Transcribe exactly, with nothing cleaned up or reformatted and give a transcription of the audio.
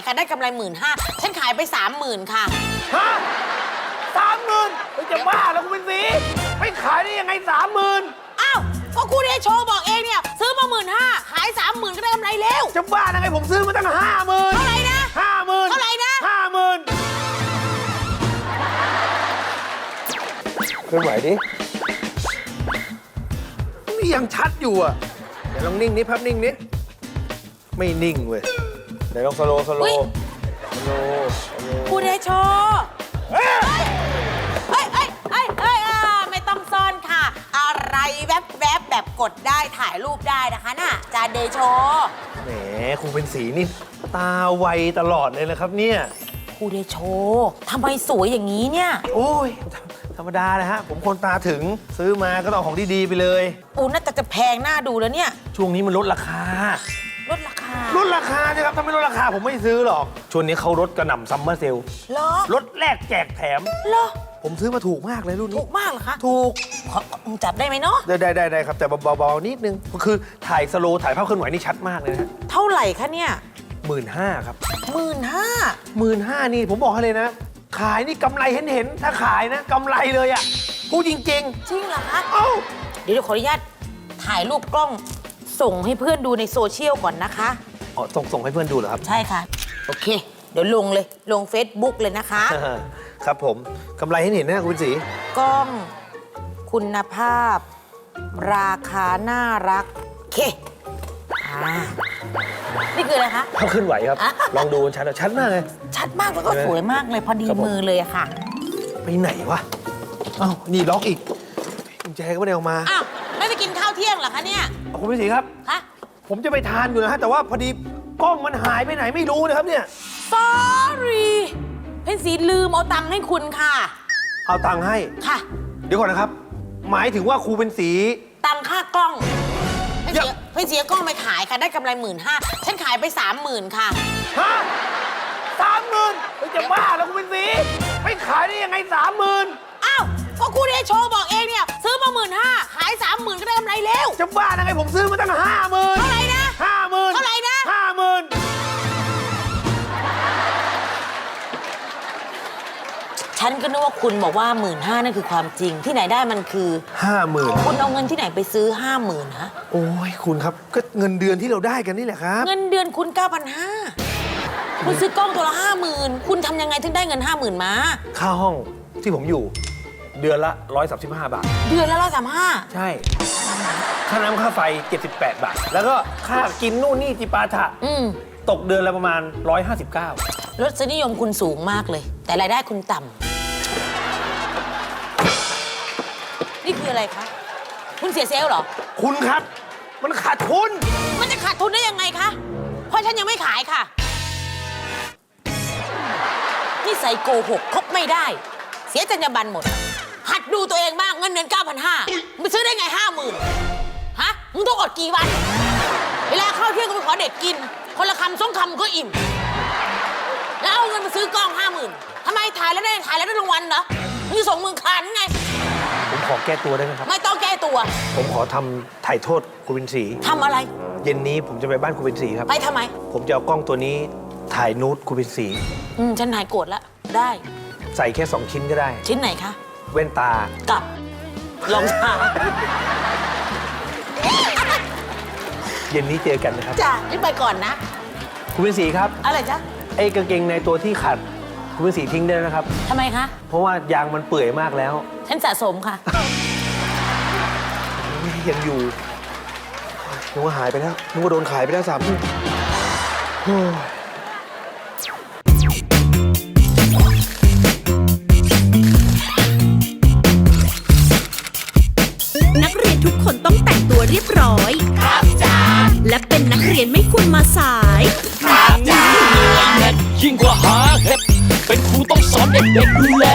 ค่ะได้กำไรหมื่นห้าฉันขายไปสามหมื่นค่ะฮะสามหมื่นจะบ้าแล้วคุณเป็นสีไม่ขายได้ยังไงสามหมื่นอ้าวก็คุณเอโชว์บอกเองเนี่ยซื้อมาหมื่นห้าขายสามหมื่นก็ได้กำไรเร็วจะบ้ายังไงผมซื้อมาตั้งห้าหมื่นเท่าไหร่นะห้าหมื่นเท่าไหร่นะห้าหมื่นเคลื่อนไหวดินี่ยังชัดอยู่อ่ะเดี๋ยวลองนิ่งนิดพับนิ่งนิดไม่นิ่งเว้ยเดี๋ยวลองสโลสโลสโลคุณเอโชว์เฮ้ยเฮ้ยเฮ้ยเฮ้ยเฮ้ยไม่ต้องซ่อนค่ะอะไรแวบแวบแบบกดได้ถ่ายรูปได้นะคะน่ะจานเดโชแหมครูเป็นสีนี่ตาไวตลอดเลยนะครับเนี่ยครูเดโชทำไมสวยอย่างนี้เนี่ยโอ้ยธรรมดานะฮะผมคนตาถึงซื้อมาก็ต้องของดีๆไปเลยโอ้น่าจะจะแพงหน้าดูแล้วเนี่ยช่วงนี้มันลดราคาลดราคาลดราคาใช่ครับถ้าไม่ลดราคาผมไม่ซื้อหรอกช่วงนี้เขาลดกระหน่ำซัมเมอร์เซลล์เหรอลดแลกแจกแถมเหรอผมซื้อมาถูกมากเลยรุ่นนี้ถูกมากเหรอคะถูกจับได้ไหมเนาะได้ได้ได้ได้ครับแต่เบาๆนิดนึงก็คือถ่ายสโลถ่ายภาพเคลื่อนไหวนี่ชัดมากเลยนะเท่าไหร่คะเนี่ยหมื่นห้าครับหมื่นห้าหมื่นห้านี่ผมบอกให้เลยนะขายนี่กำไรเห็นเห็นถ้าขายนะกำไรเลยอ่ะพูดจริงๆจริงเหรอคะเอ้าเดี๋ยวขออนุญาตถ่ายรูปกล้องส่งให้เพื่อนดูในโซเชียลก่อนนะคะอ๋อส่งส่งให้เพื่อนดูเหรอครับใช่ค่ะโอเคเดี๋ยวลงเลยลง Facebook เลยนะคะครับผมกำไรให้เห็นนะคุณสีกล้องคุณภาพราคาน่ารักเคนี่คืออะไรคะเขาขึ้นไหวครับลองดูชัดชัดมากเลยชัดมากแล้วก็สวยมากเลยพอดีมือเลยอะค่ะไปไหนวะอ้าวนี่ล็อกอีกกุญแจก็ไม่ได้ออกมาอ้าวไม่ไปกินข้าวเที่ยงเหรอคะเนี่ยคุณพี่ศรีครับคะผมจะไปทานอยู่นะฮะแต่ว่าพอดีกล้องมันหายไปไหนไม่รู้นะครับเนี่ย sorry เพนสีลืมเอาตังค์ให้คุณค่ะเอาตังค์ให้ค่ะเดี๋ยวก่อนนะครับหมายถึงว่าครูเป็นสีตังค่ากล้องเพนสีเพนสีกล้องไปขายค่ะได้กำไรหมื่นห้าฉันขายไปสามหมื่นค่ะฮะสามหมื่นจะบ้าแล้วครูเป็นสีไม่ขายได้ยังไงสามหมื่นอ้าวก็คุณเอโชว์บอกเองเนี่ยซื้อมาหมื่นห้าขายสามหมื่นก็ได้กำไรเร็วจะบ้ายังไงผมซื้อมาตั้งห้าหมื่นเท่าไหร่นะห้าหมื่นเท่าไหร่นะห้าหมื่นฉันก็นึกว่าคุณบอกว่าหมื่นห้านั่นคือความจริงที่ไหนได้มันคือห้าหมื่นคุณเอาเงินที่ไหนไปซื้อห้าหมื่นฮะโอ้ยคุณครับก็เงินเดือนที่เราได้กันนี่แหละครับเงินเดือนคุณเก้าพันห้าคุณซื้อกล้องตัวละห้าหมื่นคุณทำยังไงถึงได้เงินห้าหมื่นมาค่าห้องที่ผมอยู่เดือนละร้อยสามสิบห้าบาทเดือนละร้อยสามห้าใช่ค่าน้ำค่าไฟเจ็ดสิบแปดบาทแล้วก็ค่ากินนู่นนี่จิปาถะตกเดือนละประมาณร้อยห้าสิบเก้ารสนิยมคุณสูงมากเลยแต่รายได้คุณต่ำนี่คืออะไรคะคุณเสียเซลล์เหรอคุณครับมันขาดทุนมันจะขาดทุนได้ยังไงคะเพราะฉันยังไม่ขายค่ะนี่ใส่โกหกคบไม่ได้เสียจรรยาบรรณหมดหัดดูตัวเองบ้างเงินเดือนเก้าพันห้ามึงซื้อได้ไงห้าหมื่นฮะมึงต้องอดกี่วันเวลาเข้าเที่ยงก็ไปขอเด็กกินคนละคำสองคำก็อิ่มแล้วเอาเงินมาซื้อกล้องห้าหมื่นทำไมถ่ายแล้วได้ถ่ายแล้วได้รางวัลเหรอมึงส่งมึงคานไงผมขอแก้ตัวได้ไหมครับไม่ต้องแก้ตัวผมขอทำถ่ายโทษครูวินศรีทำอะไรเย็นนี้ผมจะไปบ้านครูวินศรีครับไปทำไมผมจะเอากล้องตัวนี้ถ่ายนูดครูวินศรีอืมฉันหายโกรธแล้วได้ใส่แค่สองชิ้นก็ได้ชิ้นไหนคะแว่นตากับรองเท้าเย็นนี้เจอกันนะครับจ้ะรีบไปก่อนนะคุณวินศรีครับอะไรจ๊ะไอ้กางเกงในตัวที่ขัดคุณวินศรีทิ้งได้นะครับทำไมคะเพราะว่ายางมันเปื่อยมากแล้วฉันสะสมค่ะยังอยู่นึกว่าหายไปแล้วนึกว่าโดนขายไปแล้วสามทุ่มนักเรียนทุกคนต้องแต่งตัวเรียบร้อยครับจ้าและเป็นนักเรียนไม่ควรมาสายครับจ้ายิ่งกว่าหาเห็ดเป็นครูต้องสอนเด็กๆดูแล